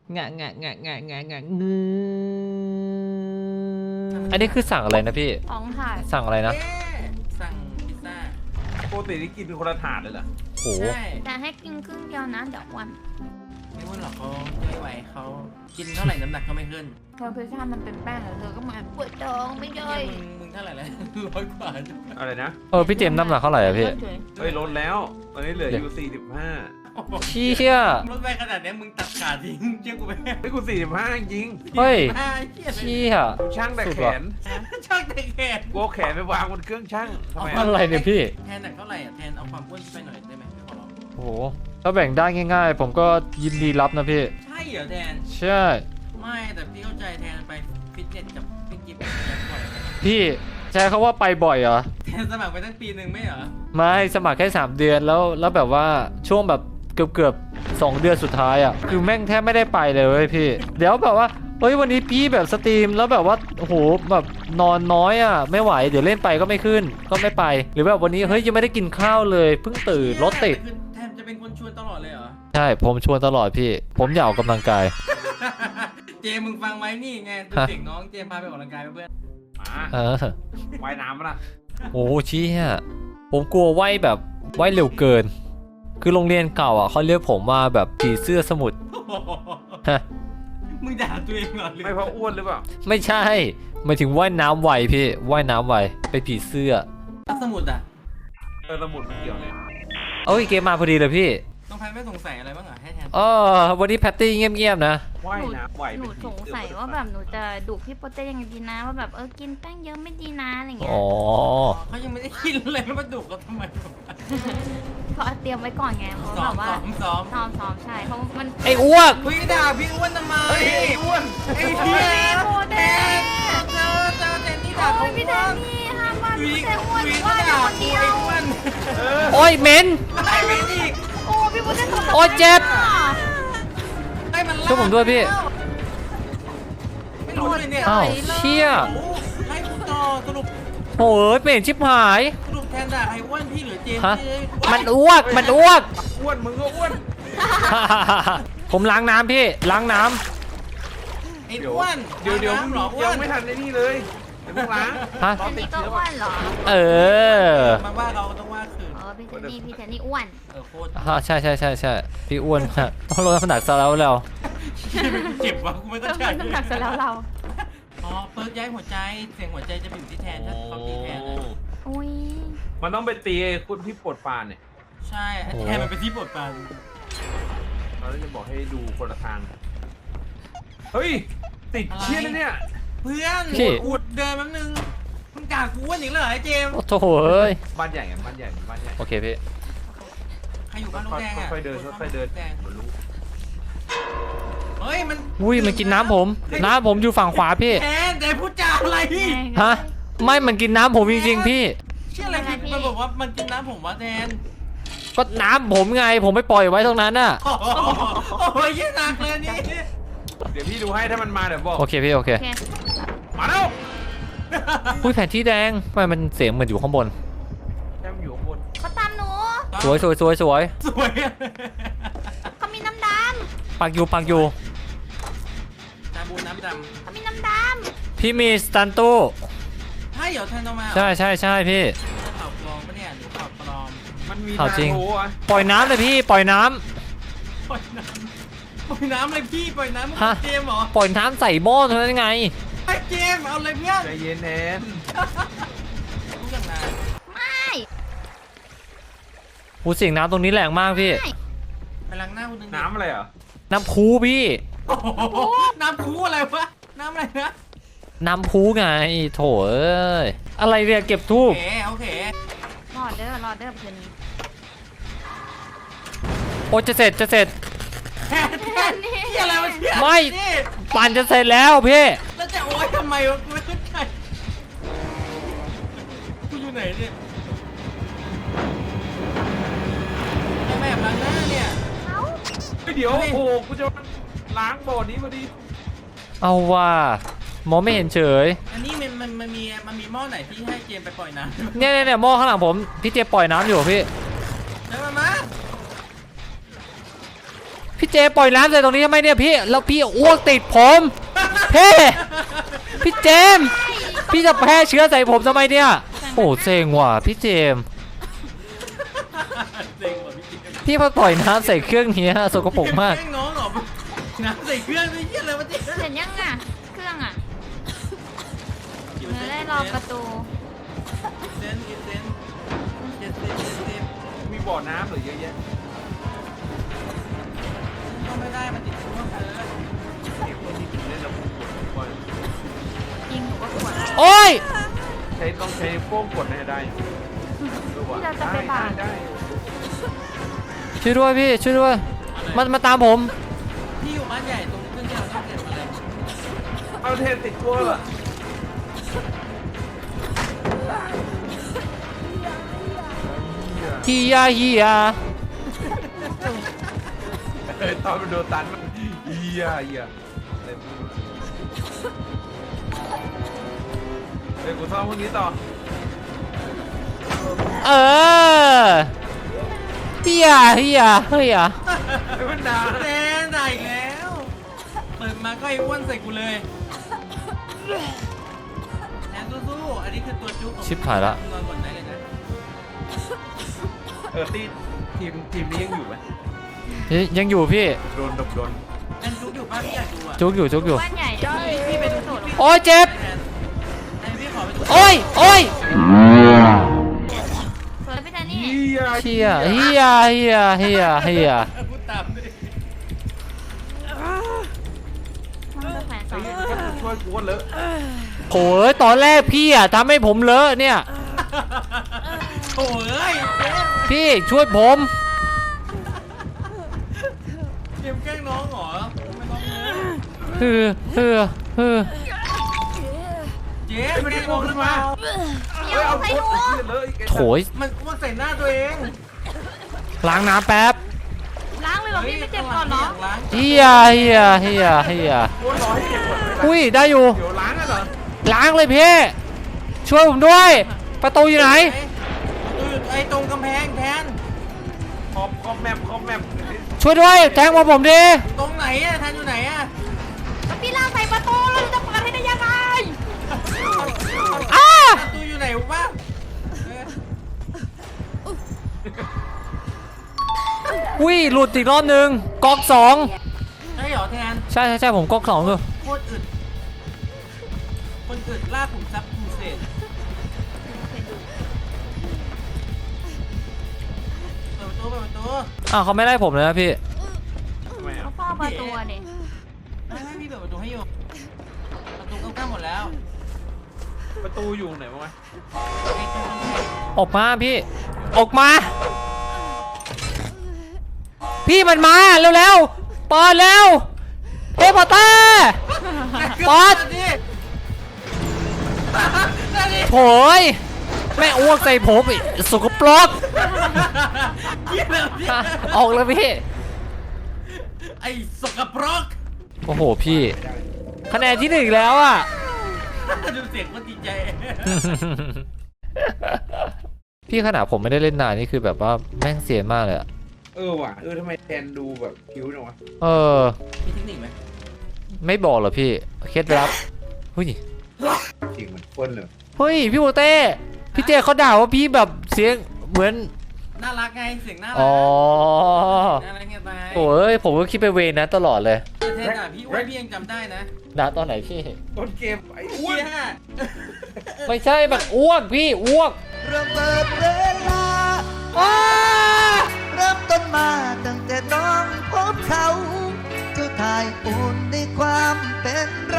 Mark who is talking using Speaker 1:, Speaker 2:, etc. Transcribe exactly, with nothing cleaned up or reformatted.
Speaker 1: งะงะงะงะงะงะงือ
Speaker 2: อันนี้คือสั่งอะไรนะพี่
Speaker 3: ของถ่าย
Speaker 2: สั่งอะไรนะ
Speaker 4: เอ๊ะสั่งพิซซ่า
Speaker 5: ปกตินี่กินเป็นคนละถาดเลยเหรอ
Speaker 2: โห
Speaker 4: ใช่
Speaker 3: แต่ให้กินครึ่งเดียวนะเดี๋ยวอ้วัน
Speaker 4: ไม่ว่าหรอกเขาจะไม่ไหวเขากินเท่าไหร่น้ำหนักก็ไม่ขึ้น
Speaker 3: เธอพิซซ่ามันเป็นแป้งเหรอเธอก็เหมือนปวดท้องไม่ย่อย
Speaker 4: มึงมึงเท่าไหร่แล้วร้อยกว่า
Speaker 5: อะไรนะ
Speaker 2: เออพี่เจมส์น้ำหนักเท่าไหร่อะพี่
Speaker 5: เฮ้ยลดแล้ว ตอนนี้เหลืออยู่สี่สิบห้า
Speaker 2: เชี่ย
Speaker 4: รถไปขนาดนี้มึงตัดขาทิ้งเชื่อกูไหม
Speaker 5: เฮ้ยกูสี่สิบห้าจริง
Speaker 2: เฮ้ย
Speaker 4: อ่าเชี่ย
Speaker 2: เชี่ย
Speaker 5: กูช่างแต่แขน
Speaker 4: ช่างแต่แขน
Speaker 5: กูเอาแขนไปวางบนเครื่องช่างทำไม
Speaker 2: อะ
Speaker 5: อะ
Speaker 2: ไรเนี่ยพี่
Speaker 4: แทนหนักเท่าไหร่อ่ะแทนเอาความอ้วนไปหน่อยได้ไหมพี่ขอร้อง
Speaker 2: โหถ้าแบ่งได้ง่ายๆ ผมก็ยินดีรับนะพี่
Speaker 4: ใช่เหรอแทน
Speaker 2: ใช่
Speaker 4: ไม่แต่พี่เข้าใจแทนไปฟิตเนสกับพี่กิฟต์แล้วก่อน
Speaker 2: พี่ใช้เขาว่าไปบ่อยเหรอ
Speaker 4: แทนสมัครไปตั้งปีหนึ่งไม่เหรอ
Speaker 2: ไม่สมัครแค่สามเดือนแล้วแล้วแบบว่าช่วงแบบเกือบเกือบสองเดือนสุดท้ายอ่ะคือแม่งแทบไม่ได้ไปเลยเว้ยพี่ เดี๋ยวแบบว่าเฮ้ยวันนี้พี่แบบสตรีมแล้วแบบว่าโอ้โหแบบนอนน้อยอ่ะไม่ไหวเดี๋ยวเล่นไปก็ไม่ขึ้นก็ไม่ไป หรือแบบวันนี้เฮ้ยยังไม่ได้กินข้าวเลยเพิ่งตื่นรถติด
Speaker 4: คือแทนจะเป็นคนชวนตลอดเลยเหรอ
Speaker 2: ใช่ผมชวนตลอดพี่ ผมอยากออกกำลังกาย
Speaker 4: เจมึงฟังไว้นี่ไงดูเด็กน้องเจมพาไปออกกำลังกายไปเพื่อน
Speaker 5: มา
Speaker 2: เออ
Speaker 5: ว่ายน้ำปะล่ะ
Speaker 2: โอ้เชี่ยผมกลัวว่ายแบบว่ายเร็วเกิน คือโรงเรียนเก่าอ่ะเขาเรียกผมว่าแบบผีเสื้อสมุทรฮะ
Speaker 4: มึงด่าตัวเองเหรอ
Speaker 5: ไม่เพราะอ้วนหรือเปล่า
Speaker 2: ไม่ใช่หมายถึงว่ายน้ำไวพี่ว่ายน้ำไวเป็นผีเสื้อ
Speaker 4: สมุดอ่ะ
Speaker 5: เออสมุดมันเกี่ยวเลย
Speaker 2: เอ้ยเกมมาพอดีเลยพี่
Speaker 4: น้องแพนไม่สงสัยอะไรบ้างเหรอให้แทน
Speaker 2: เออวันนี้แพตตี้เงียบๆนะ
Speaker 5: ว่าย
Speaker 3: หนู
Speaker 5: น้ำไหว
Speaker 3: หนู
Speaker 5: เป็น
Speaker 3: สงสัยว่าแบบหนูจะดุพี่โปเต้ยังไงดีนะว่าแบบเออกินแป้งเยอะไม่ดีนะอะไรเงี้ย
Speaker 2: อ๋อ
Speaker 4: เขายังไม่ได้กินเลยแล้วมาดุเขาทำไม
Speaker 3: เพราะเตรียมไว้ก่อนไงเพราะ
Speaker 4: ซ้
Speaker 3: แบ
Speaker 4: อม
Speaker 3: บว่า
Speaker 4: ซ้อมซ้อม
Speaker 3: ซ้อมซ้อมใช่เพราะมัน
Speaker 2: ไอ้อ้วก
Speaker 4: คุยด่าพี่อ้วนทำไม
Speaker 5: เฮ้ยไอ้อ้วน
Speaker 4: ไอ้เหี้ย
Speaker 3: โปเต้
Speaker 4: เจอเจอเจนนี่ด่า
Speaker 3: โอ้
Speaker 4: เขา
Speaker 3: ยพี่แดนนี่ห้ามว่า
Speaker 4: คุย
Speaker 3: พี่โปเต้อ้วน
Speaker 4: คุย
Speaker 3: ว่า
Speaker 4: ก็
Speaker 3: แต่
Speaker 4: ด่า
Speaker 3: คน
Speaker 4: คุ
Speaker 3: เดี
Speaker 4: ย
Speaker 3: ยว
Speaker 4: อ้วน
Speaker 5: เออ
Speaker 2: โอ้ยเหม็น
Speaker 4: ไอ้ไม่อีก
Speaker 3: โอ้พี่โปเต้ทำ
Speaker 2: โอ้ยเจ็บ
Speaker 4: ไอ้มัน
Speaker 2: ช่วยผมด้วยพี่
Speaker 4: ไม่รู้เลยเนี่ย
Speaker 2: อ้าวเชี่ย
Speaker 4: โอ้ไล่คุณต่อสรุป
Speaker 2: โอ้ยเหม็นชิบหาย
Speaker 4: สรุปแทนด่าไอ้อ้วนพี่หรือเจมส์
Speaker 2: ฮะ
Speaker 4: พี่
Speaker 2: มันอ้วกมันอ้วก
Speaker 5: อ้วนมึงก็อ้วน
Speaker 2: ผมล้างน้ำพี่ล้างน้
Speaker 4: ไอ้
Speaker 5: เดี๋ยว
Speaker 4: อ้วน
Speaker 5: เดี๋ยวเดี๋ยว
Speaker 4: น้ำหรออ้ว
Speaker 5: ยัง
Speaker 4: น
Speaker 5: ไม่ทันไอ้นี่เลยเดี๋ยวมึงล้าง
Speaker 2: ำฮะ
Speaker 3: อันนี้ก็อ้วนเหรอ
Speaker 2: เออ
Speaker 4: มาว่าเราต้องว่าคืน
Speaker 3: เออพี่เทนนี่พี่เทนนี่อ้วน
Speaker 4: เออโคตร
Speaker 2: ฮะใช่ใช่ใช่ใช่พี่อ้วนฮะต้องลดน้ำหนักซะแล้วแล้ว
Speaker 4: เจ็บว่ะกูไม่ต้อง
Speaker 3: เริ่ม
Speaker 4: ใช้
Speaker 3: ลดน้ำหนักเสร็จแล้วเรา
Speaker 4: อ๋อเปิร์กย้ายหัวใจเสียงหัวใจจะไปอยู่ที่แทนถ้าเขาตีแทนนะ
Speaker 3: อุ้ย
Speaker 5: มันต้องไปตีไอ้คนที่ปวดปานเนี่ย
Speaker 4: ใช่ไอ้แทนมันเป็นที่ปวดปาน
Speaker 5: เราจะบอกให้ดูคนละทาง เฮ้ย ติดเชี่ยนะเนี่ย
Speaker 4: เพื่อน
Speaker 2: พี่
Speaker 4: อุดเดินแป๊บนึงมึงด่ากูอ้วนอีกแล้วเหรอไอ้เจมส์
Speaker 2: โอ้โถเอ้ย
Speaker 5: บ้านใหญ่กันบ้านใหญ่บ้านใหญ่
Speaker 2: โอเคพี่
Speaker 4: ใครอยู่บ้านลูกแดงอ่ะ
Speaker 5: ค่อยๆเดินค่อยๆเดิน
Speaker 4: แดง
Speaker 5: มันรู้
Speaker 4: เฮ้ยมัน
Speaker 2: อุ้ยมันกินน้ำผมน้ำผมอยู่ฝั่งขวาพี่
Speaker 4: แทนแต่พูดจาอะไร
Speaker 2: ฮะไม่มันกินน้ำผมจริงๆพี่
Speaker 4: เชื่ออะไรคือมันบอกว่ามันกินน้ำผมว่าแทน
Speaker 2: ก็น้ำผมไงผมไม่ปล่อยไว้ตรงนั้นน่ะ
Speaker 4: โอ้โหโอ้ยยิ่งหนักเลยนี่
Speaker 5: เดี๋ยวพี่ดูให้ถ้ามันมาเดี๋ยวบอก
Speaker 2: โอเคพี่โอเค
Speaker 3: โอเค
Speaker 5: มาแล้ว
Speaker 2: อุ้ยแผนที่แดงทำไมมันเสียงเหมือนอยู่ข้างบน
Speaker 5: แค่มันอยู่ข้างบน
Speaker 3: เขาตามหนู
Speaker 2: สวยสวยสวยสวย
Speaker 4: สวยอะ
Speaker 3: เขามีน้ำด
Speaker 2: ปักอยู่ปักอยู่
Speaker 4: ตาบูน้ำด
Speaker 3: ำเขามีน้ำด
Speaker 2: พี่มีสตันตู้
Speaker 4: ำใช่เหรอแทนเอามา
Speaker 2: ใช่ใช่ใช่พี่
Speaker 4: ข่าวปลอมปะเนี่ยหรือข่าวปลอม
Speaker 5: มันมี
Speaker 2: เอา
Speaker 5: ทาง
Speaker 2: จริง
Speaker 5: โอ้อะ
Speaker 2: ปล่อยน้ำเลยพี่ปล่อยน้ำ
Speaker 4: ปล่อยน้ำปล่อยน้ำเลยพี่ปล่อยน้ำมึง
Speaker 2: ฮะ
Speaker 4: เจมส์เหรอ
Speaker 2: ปล่อยน้ำใส่หม้อเท่านั้นไง
Speaker 4: ไอ้เจมส์เอาเลยเพื่อน
Speaker 5: ใจเย็นแทน
Speaker 4: รู้จักนาน
Speaker 3: ำไม่
Speaker 2: หูเสียงน้ำตรงนี้แรงมากพี่
Speaker 3: ไม่
Speaker 4: ไปล้างหน้าคุณนึงดิ
Speaker 5: น้ำอะไรเหรอ
Speaker 2: น้ำพูพี่
Speaker 4: โอ้โหน้ำคูอะไรวะน้ำอะไรนะ
Speaker 2: น้ำพูไงโถเอ้ยอะไรเนี่ยเก็บทู
Speaker 4: โอบ เคโอเค
Speaker 3: รอเด้อรอเด้อคืนนี้
Speaker 2: โอ้จะเสร็จจะเสร็จ
Speaker 4: แทนแทนนี่อะไรวะเนี่ย
Speaker 2: ไม่
Speaker 4: นี่
Speaker 2: ปั่นจะเสร็จแล้วพี่
Speaker 4: แล้วจะโอ๊ยทำไมวะกูไม่เข้าใจกูอยู่ไหนเนี่ยไอ้แม่แบบล้างหน้าเนี่ย
Speaker 3: เขา
Speaker 5: เฮ้ยเดี๋ยวโอ้โหกูจะล้างบ่อนี้พอดี
Speaker 2: เอาว่ามองไม่เห็นเฉย
Speaker 4: อันนี้มันมันมันมีมันมีหม้อไหนที่ให้เจมไปปล่อยน้ำ
Speaker 2: เนี่ยเนี่ยเนี่ยหม้อข้างหลังผมพี่เจปล่อยน้ำอยู่พี่
Speaker 4: แล้วมามา
Speaker 2: พี่พี่เจปล่อยน้ำใส่ตรงนี้ทำไมเนี่ยพี่แล้วพี่อ้วกติดผมพี่พี่เจมส์พี่จะแพร่เชื้อใส่ผมทำไมเนี่ยโอ้เซ็งว่ะพี่เจมส์
Speaker 4: เซ็งว่ะพี่เจม
Speaker 2: พี่มาปล่อยน้ำใส่เครื่องเนี้ยสกปรกมาก
Speaker 4: แงน้องเหรอน้ำใส่เครื่องด้วยเยี่ยอะไรวะเจ๊
Speaker 3: เห็นยังอ่ะเครื่องอ่ะเนื้อได้รอประตู
Speaker 4: เซนเซนเซนเซนเซนเซน
Speaker 5: มีบ่อน้ำเหรือเยอะแยะ
Speaker 4: ก็ไม่ได้มันติดช่วงเลย
Speaker 5: เก็บไว้ที่ถึงเล่นแล้วผมกดบ่อย
Speaker 3: ยิงหนูก็ขวด
Speaker 2: โอ้ย
Speaker 5: ใช้ต้องใช้โป้งกดให้ได้ดูว่ะ
Speaker 3: ที่เราจะไปบาด
Speaker 5: ได้
Speaker 2: ช่วยด้วยพี่ช่วยด้วยมันมาตามผม
Speaker 4: พี่อยู่บ้านใหญ่ตรงเครื่องที่เราต้องเก็บอะไร
Speaker 5: เอาเทปติดตัวเหรอ
Speaker 2: ฮียาฮียา
Speaker 5: เออตอนมันโดนตันมันเฮียเฮียอะไรไม่รู้เดี๋ยวกูซ่อมพวกนี้ต่อ
Speaker 2: เออฮียาฮียาเฮีย
Speaker 5: ไอ้มันด่า
Speaker 4: แซนได้อีกแล้วเปิดมาก็ไอ้อ้วนใส่กูเลยแซนสู้ๆอันนี้คือตัวจุ๊บของ
Speaker 2: ชิบหายละ
Speaker 4: นอนก่อนได้เลยนะ
Speaker 5: เออทีทีมทีมนี้ยังอยู่ไหม
Speaker 2: ยังอยู่พี่
Speaker 5: โดนดบโดน
Speaker 4: แซนจุ๊บอยู่ป้าพี่อยากดูอ่ะ
Speaker 2: จุกอยู่จุกอยู่
Speaker 3: บ้านใหญ่
Speaker 4: พี่พี่ไปดูโถ
Speaker 2: โอ้ยเจ็บ
Speaker 4: แซนไอ้พี่ขอไปดู
Speaker 2: โอ้ยโอ้ย
Speaker 3: สวยพี่แทนนี่
Speaker 5: เฮีย
Speaker 2: เฮียเฮียเฮียเฮียเฮีย
Speaker 4: พูดตามดิ
Speaker 3: มันจะแขวนสอง
Speaker 5: ก็จะช่วยกูก็เลอะ
Speaker 2: โอ้ยตอนแรกพี่อ่ะทำให้ผมเลอะเนี่ย
Speaker 4: โถ่เอ้ยเจมส์
Speaker 2: พี่ช่วยผม
Speaker 4: เจมส์แกล้งน้องเหรอไม่ต้องเลย
Speaker 2: เฮือเฮือเฮือ
Speaker 4: เจมส์แกล้งน้องหรือเปล่า
Speaker 3: เดี๋ยวใส่หัว
Speaker 5: เลอะอีก
Speaker 2: โถย
Speaker 4: มันอ้วนใส่หน้าตัวเอง
Speaker 2: ล้างน้ำแป๊บ
Speaker 3: ล้างเลยเหรอพี่ไม่เจ็บก่อนเหรอ
Speaker 4: ล้าง
Speaker 2: เฮียเฮียเฮียเฮีย
Speaker 5: กูรอให้เก็บหมดเลย
Speaker 2: อุ้ยได้อยู่
Speaker 5: เดี๋ยวล้างกันเหรอ
Speaker 2: ล้างเลยพี่ช่วยผมด้วย ประตูอยู่ไหน
Speaker 4: ไอ้ตรงกำแพงแทน
Speaker 5: คอมคอมแมปคอมแมป
Speaker 2: ช่วยด้วยแทงมาผมดิ
Speaker 4: ตรงไหนอะแทนอยู่ไหนอะ
Speaker 3: แล้วพี่ล่างใส่ประตูเราจะเปิดให้ได้ยังไง
Speaker 2: อ้า
Speaker 4: ประตูอยู่ไหนวะเออ
Speaker 2: อุ้ยหลุดอีกรอบนึงก๊อกสอง
Speaker 4: ใช่เหรอแทน
Speaker 2: ใช่ใช่ใช่ผมก๊อกสองอยู่
Speaker 4: โคตรอึดคนอึดล่าขุมทรัพย์คูเศษเปิดประตูเปิดประตู
Speaker 2: อ้าวเขาไม่ไล่ผมเลยนะพี่
Speaker 5: ทำไม
Speaker 3: เขา
Speaker 5: อ่ะ
Speaker 3: เฝ้าประตูอะดิ
Speaker 4: ไม่ไม่พี่เปิดประตูให้อยู่ประตูใกล้ๆหมดแล้ว
Speaker 5: ประตูอยู่ไหนบ้างวะ
Speaker 4: ไอ้ตรงกำแพง
Speaker 2: ออกมาพี่ ออกมา พี่มันมาเร็วๆเปิดเร็วเฮ้ยพอตเตอร์ปอด
Speaker 4: นี่นี่
Speaker 2: โถยแม่อ้วกใส่ผมอีกสกปรก
Speaker 4: เยี่ยมเลยพี่
Speaker 2: ออกเลยพี่
Speaker 4: ไอ้สกปรก
Speaker 2: โอ้โหพี่คะแนนที่หนึ่งอีกแล้วอ่ะ
Speaker 4: ดูเสียงคนดีใจ
Speaker 2: พี่ขนาดผมไม่ได้เล่นนานนี่คือแบบว่าแม่งเสียนมากเลยอะ
Speaker 5: เออว่ะเออทำไมแทนดูแบบคิ้วจังวะ
Speaker 2: เออ
Speaker 4: มีเทคนิคไหม
Speaker 2: ไม่บอกเหรอพี่เคล็ดลับเฮ้ย
Speaker 5: จริงเหมือนเฟิร์นเลย
Speaker 2: เฮ้ยพี่โมเต้พี่เจเขาด่าว่าพี่แบบเสียงเหมือน
Speaker 4: น่ารักไงเสียงน่ารั
Speaker 2: อ๋อ
Speaker 4: น่ารักเงี้ยไป
Speaker 2: โอ้ยผมก็คิดไปเวรนะตลอดเลย
Speaker 4: แทนอ่ะพี่อ้วนพี่ยังจำได้นะ
Speaker 2: ด่าตอนไหนพี่
Speaker 5: ต้นเกมไอ้อ้วน
Speaker 4: เหี้ย
Speaker 2: ไม่ใช่แบบอ้วกพี่อ้วก
Speaker 6: เริ่มเปิดเวลาเริ่มต้นมาตั้งแต่น้องพบเขาทุกทายอุ่นในความเป็นเร